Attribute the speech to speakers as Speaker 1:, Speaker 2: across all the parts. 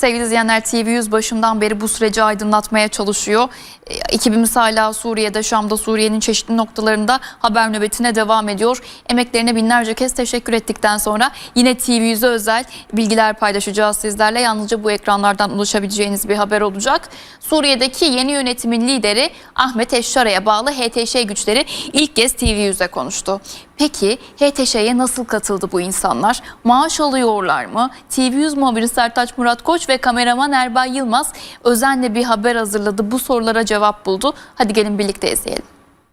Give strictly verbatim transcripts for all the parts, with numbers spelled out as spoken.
Speaker 1: Sevgili izleyenler, T V yüz başından beri bu süreci aydınlatmaya çalışıyor. Ekibimiz hala Suriye'de, Şam'da, Suriye'nin çeşitli noktalarında haber nöbetine devam ediyor. Emeklerine binlerce kez teşekkür ettikten sonra yine T V yüze özel bilgiler paylaşacağız sizlerle. Yalnızca bu ekranlardan ulaşabileceğiniz bir haber olacak. Suriye'deki yeni yönetimin lideri Ahmet Eşşara'ya bağlı H T Ş güçleri ilk kez T V yüze konuştu. Peki H T Ş'ye nasıl katıldı bu insanlar? Maaş alıyorlar mı? T V yüz muhabiri Sertaç Murat Koç ve kameraman Erbay Yılmaz özenle bir haber hazırladı. Bu sorulara cevap buldu. Hadi gelin birlikte izleyelim.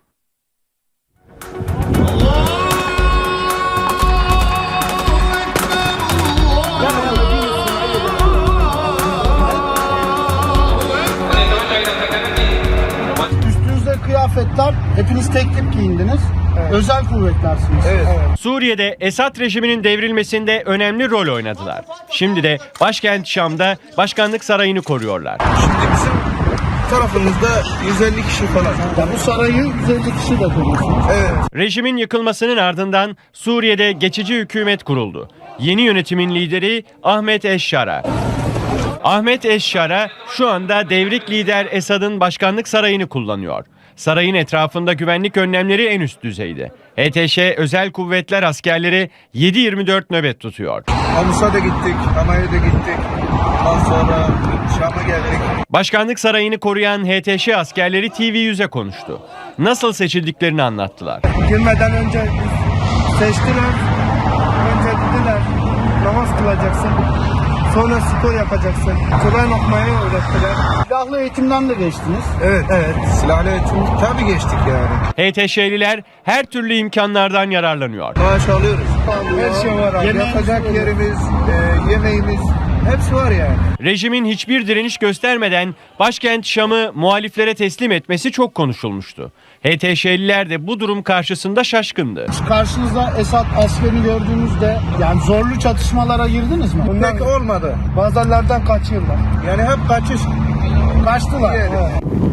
Speaker 2: Üstünüzde kıyafetler, hepiniz tek tip giyindiniz. Evet. Özel kuvvetlersiniz.
Speaker 3: Evet. Evet. Suriye'de Esad rejiminin devrilmesinde önemli rol oynadılar. Şimdi de başkent Şam'da başkanlık sarayını koruyorlar.
Speaker 4: Şimdi bizim tarafımızda yüz elli kişi falan.
Speaker 2: Ya bu sarayı yüz elli kişi de koruyorsunuz.
Speaker 4: Evet.
Speaker 3: Rejimin yıkılmasının ardından Suriye'de geçici hükümet kuruldu. Yeni yönetimin lideri Ahmet Eşşara. Ahmet Eşşara şu anda devrik lider Esad'ın başkanlık sarayını kullanıyor. Sarayın etrafında güvenlik önlemleri en üst düzeyde. H T Ş özel kuvvetler askerleri yedi yirmi dört nöbet tutuyor.
Speaker 4: Hamus'a da gittik, Hamay'a da gittik. Ondan sonra Şam'a geldik.
Speaker 3: Başkanlık sarayını koruyan H T Ş askerleri T V yüze konuştu. Nasıl seçildiklerini anlattılar.
Speaker 2: Girmeden önce seçtiler. Önce dediler namaz kılacaksın. Sonra spor yapacaksın. Kur'an okumayı öğrettiler. Silahlı eğitimden de geçtiniz.
Speaker 4: Evet, evet. Silahlı eğitim tabii geçtik yani.
Speaker 3: H T Ş'liler her türlü imkanlardan yararlanıyor.
Speaker 4: Maaş alıyoruz.
Speaker 2: Her şey var abi.
Speaker 4: Yatacak yerimiz, e, yemeğimiz, hepsi var yani.
Speaker 3: Rejimin hiçbir direniş göstermeden başkent Şam'ı muhaliflere teslim etmesi çok konuşulmuştu. H T Ş'liler de bu durum karşısında şaşkındı.
Speaker 2: Karşınızda Esad askerini gördüğünüzde yani zorlu çatışmalara girdiniz mi?
Speaker 4: Pek olmadı.
Speaker 2: Bazılardan kaçıyorlar.
Speaker 4: Yani hep kaçış.
Speaker 2: Kaçtılar.
Speaker 4: Yani.
Speaker 2: Evet.